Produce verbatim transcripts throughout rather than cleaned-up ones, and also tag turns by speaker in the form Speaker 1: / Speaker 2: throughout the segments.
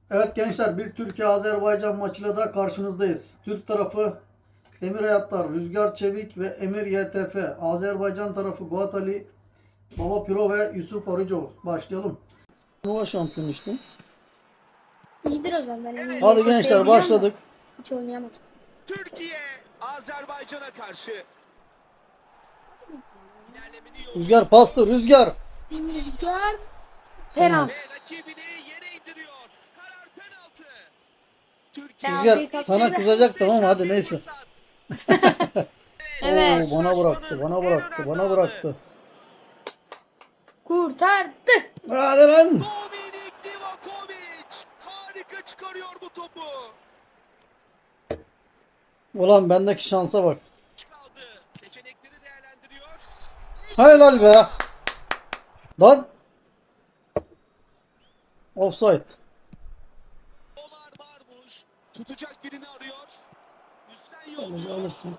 Speaker 1: Evet gençler, bir Türkiye-Azerbaycan maçıyla da karşınızdayız. Türk tarafı Emir Hayatlar, Rüzgar Çevik ve Emir Y T F. Azerbaycan tarafı Guat Ali, Baba Piro ve Yusuf Arıcov. Başlayalım. Turnuva şampiyon işte.
Speaker 2: İyidir o zaman. Ben eminim.
Speaker 1: Hadi
Speaker 2: Y T F'yi
Speaker 1: gençler,
Speaker 2: biliyorum da
Speaker 1: başladık.
Speaker 2: Hiç oynayamadım.
Speaker 3: Türkiye Azerbaycan'a karşı ilerlemenin yolunu
Speaker 1: Rüzgar pastı, Rüzgar.
Speaker 2: Rüzgar penaltı.
Speaker 3: ve rakibini yere indiriyor. Karar penaltı. Türkiye
Speaker 2: Penaltıyı
Speaker 1: Rüzgar
Speaker 2: kaçırdı.
Speaker 1: sana kızacaktım ama hadi neyse.
Speaker 2: Evet.
Speaker 1: Oo, bana bıraktı, bana bıraktı, bana bıraktı.
Speaker 2: Kurtardı.
Speaker 1: Hadi lan.
Speaker 3: Dominik Livakovic harika çıkarıyor bu topu.
Speaker 1: Ulan bendeki şansa bak.
Speaker 3: Kaldı. Seçenekleri değerlendiriyor.
Speaker 1: Helal be. Lan. Offside.
Speaker 3: Omar Marmuş tutacak birini arıyor. Üstten
Speaker 1: Alırsın,
Speaker 3: yolluyor.
Speaker 1: alırsın.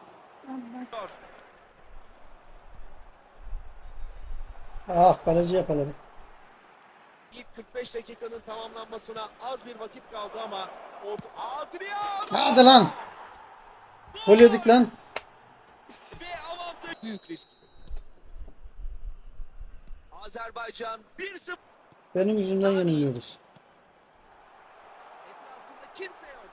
Speaker 1: Ah, kaleci yakaladı.
Speaker 3: İlk kırk beş dakikanın tamamlanmasına az bir vakit kaldı ama orta Adrian
Speaker 1: Hadi lan. Gol yedik lan.
Speaker 3: ve avantaj büyük risk. Azerbaycan bir sıfır.
Speaker 1: Benim yüzümden yeniliyoruz.
Speaker 3: Etrafında kimse yok.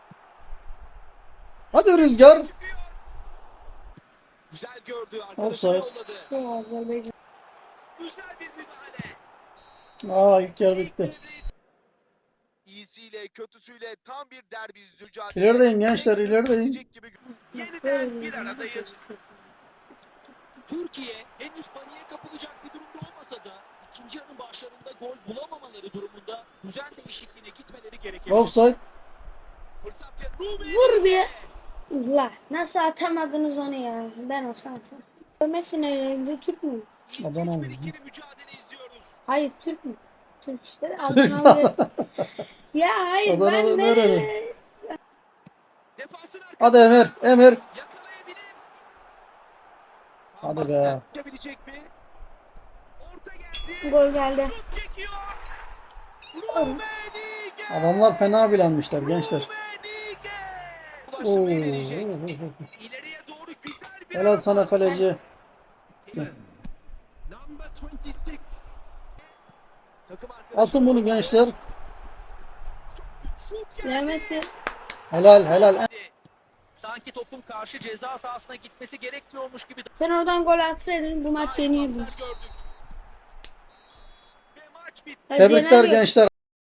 Speaker 1: Hadi Rüzgar.
Speaker 3: Çıkıyor. Güzel gördü. Arkadaşını
Speaker 1: Offside.
Speaker 3: yolladı.
Speaker 2: Bu Azerbaycan.
Speaker 3: Güzel bir müdahale.
Speaker 1: Aa, ilk yer bitti.
Speaker 3: İyisiyle kötüsüyle tam bir derbi mücadele.
Speaker 1: İlerideyin gençler,
Speaker 3: Tek
Speaker 1: ilerideyin.
Speaker 3: kesecek gibi. Yeniden bir aradayız.
Speaker 4: Türkiye henüz paniğe kapılacak bir durumda olmasa da ikinci yarının başlarında gol bulamamaları durumunda düzen değişikliğine gitmeleri gerekebilir.
Speaker 1: Offside.
Speaker 3: Fırsat ya. Ruben
Speaker 2: Vur bir. La nasıl atamadınız onu ya? Ben olsam atarım. Messi nerede? Türk mü?
Speaker 3: İlk
Speaker 1: Adana
Speaker 3: üç
Speaker 1: mı?
Speaker 3: bir ikili mücadele izliyoruz.
Speaker 2: Hayır Türk mü? Türk işte. Adanalı. Ya hayır
Speaker 1: Adanalı
Speaker 2: ben
Speaker 1: nereli?
Speaker 2: de.
Speaker 3: Defansın arkasına
Speaker 1: Hadi Emir, Emir.
Speaker 3: yakalayabilir.
Speaker 1: Hadi
Speaker 3: Pasla
Speaker 1: be.
Speaker 3: geçebilecek mi? Orta geldi.
Speaker 2: Gol geldi.
Speaker 3: Şut çekiyor. Rummenigge.
Speaker 1: Adamlar fena bilenmişler gençler.
Speaker 3: Rummenigge.
Speaker 1: Oo.
Speaker 3: Ulaşmayı deneyecek. İleriye doğru güzel bir
Speaker 1: Helal sana
Speaker 3: pas.
Speaker 1: kaleci.
Speaker 3: Takım arkadaşı
Speaker 1: Atın bunu gençler.
Speaker 3: şut geldi.
Speaker 2: Yemesi.
Speaker 1: Helal, helal.
Speaker 4: Sanki topun karşı ceza sahasına gitmesi gerekmiyormuş gibi
Speaker 2: Sen oradan gol atsaydın bu maç yeniyordun.
Speaker 3: Paslar gördük. Ve maç bitti.
Speaker 1: Tebrikler gençler.